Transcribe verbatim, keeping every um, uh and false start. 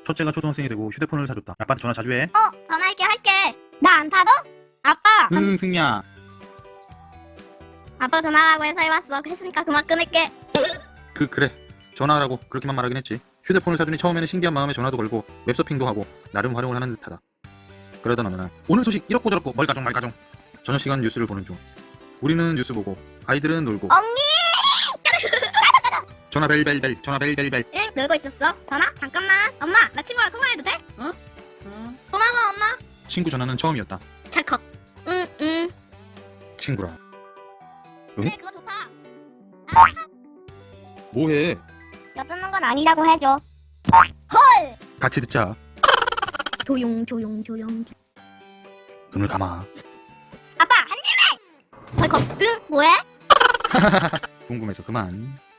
첫째가 초등학생이 되고 휴대폰을 사줬다. 아빠한테 전화 자주 해. 어, 전화할게 할게. 나 안 타도? 아빠. 응, 승리야. 아빠 전화라고 해서 해봤어. 했으니까 그만 끊을게. 그 그래. 전화하라고 그렇게만 말하긴 했지. 휴대폰을 사주니 처음에는 신기한 마음에 전화도 걸고 웹서핑도 하고 나름 활용을 하는 듯하다. 그러던 어느 날 오늘 소식 이렇고 저렇고 멀가정 말가정. 저녁 시간 뉴스를 보는 중. 우리는 뉴스 보고 아이들은 놀고. 언니! 전화 벨벨벨 전화 벨벨벨. 응, 놀고 있었어. 전화? 잠깐만. 엄마, 나 친구랑 통화해도 돼? 어? 어? 고마워, 엄마. 친구 전화는 처음이었다. 찰컥. 응, 응. 친구라. 응? 그래, 그거 좋다. 뭐해? 엿듣는 건 아니라고 해줘. 헐! 같이 듣자. 조용, 조용, 조용. 눈을 감아. 아빠, 한 입에! 덜컥. 응, 뭐해? 궁금해서 그만.